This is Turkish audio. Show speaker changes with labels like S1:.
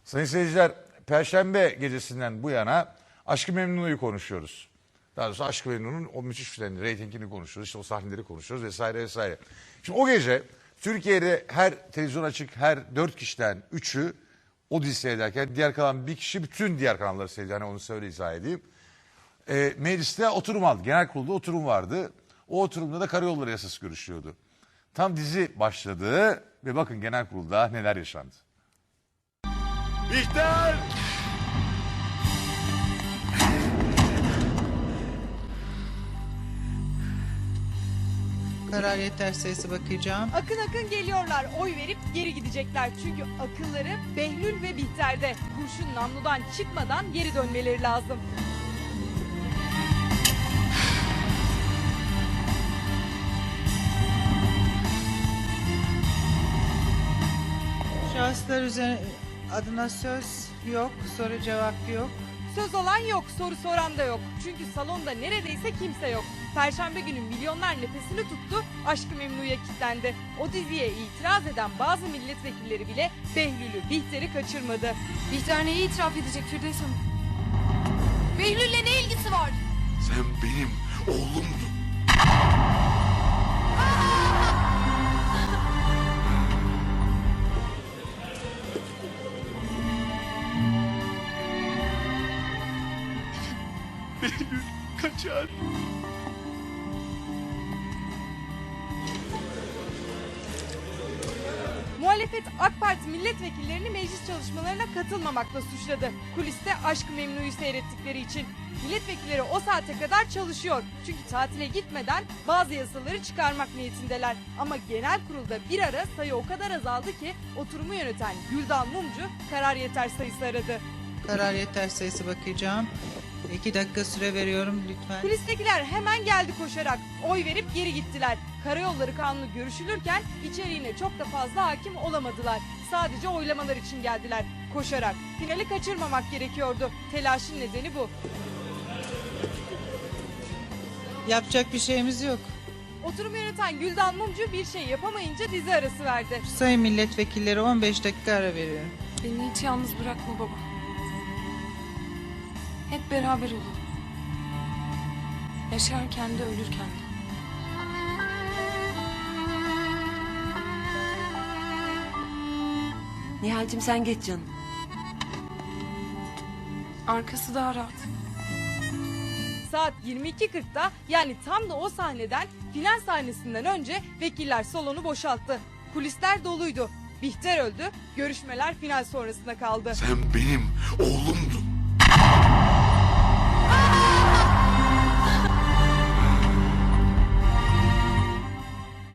S1: Sayın seyirciler, Perşembe gecesinden bu yana Aşk-ı Memnu'yu konuşuyoruz. Daha doğrusu Aşk-ı Memnu'nun o müthiş filmlerini, reytingini konuşuyoruz, işte o sahneleri konuşuyoruz vesaire vesaire. Şimdi o gece Türkiye'de her televizyon açık, her 4 kişiden 3'ü o dizi seyrederken diğer kalan bir kişi bütün diğer kanalları seyrediyor. Hani onu söyle izah edeyim. Mecliste oturum aldı. Genel kurulda oturum vardı. O oturumda da karayolları yasası görüşüyordu. Tam dizi başladı ve bakın genel kurulda neler yaşandı.
S2: Bihter!
S3: Karar yeter sayısı bakacağım.
S4: Akın akın geliyorlar. Oy verip geri gidecekler. Çünkü akılları Behlül ve Bihter'de. Kurşun namludan çıkmadan geri dönmeleri lazım.
S3: Şahıslar üzerine adına söz yok, soru cevap yok.
S4: Söz olan yok, soru soran da yok. Çünkü salonda neredeyse kimse yok. Perşembe günü milyonlar nefesini tuttu, Aşk-ı Memnu'ya kilitlendi. O diziye itiraz eden bazı milletvekilleri bile Behlül'ü, Bihter'i kaçırmadı.
S5: Bihter neyi itiraf edecek Firdevs Hanım? Behlül'le ne ilgisi var?
S2: Sen benim oğlumdun. Behlül kaçar.
S4: Muhalefet AK Parti milletvekillerini meclis çalışmalarına katılmamakla suçladı. Kuliste Aşk-ı Memnu'yu seyrettikleri için. Milletvekilleri o saate kadar çalışıyor. Çünkü tatile gitmeden bazı yasaları çıkarmak niyetindeler. Ama genel kurulda bir ara sayı o kadar azaldı ki oturumu yöneten Güldan Mumcu karar yeter sayısı aradı.
S3: Karar yeter sayısı bakacağım. 2 dakika süre veriyorum lütfen.
S4: Kulistekiler hemen geldi koşarak. Oy verip geri gittiler. Karayolları Kanunu görüşülürken içeriğine çok da fazla hakim olamadılar. Sadece oylamalar için geldiler koşarak. Finali kaçırmamak gerekiyordu. Telaşın nedeni bu.
S3: Yapacak bir şeyimiz yok.
S4: Oturumu yöneten Güldan Mumcu bir şey yapamayınca dizi arası verdi.
S3: Sayın milletvekilleri 15 dakika ara veriyorum.
S5: Beni hiç yalnız bırakma baba. Hep beraber olalım. Yaşarken de ölürken de.
S6: Nihal'cim sen geç canım.
S5: Arkası daha rahat.
S4: Saat 22.40'da yani tam da o sahneden final sahnesinden önce vekiller salonu boşalttı. Kulisler doluydu. Bihter öldü. Görüşmeler final sonrasında kaldı.
S2: Sen benim oğlumdun.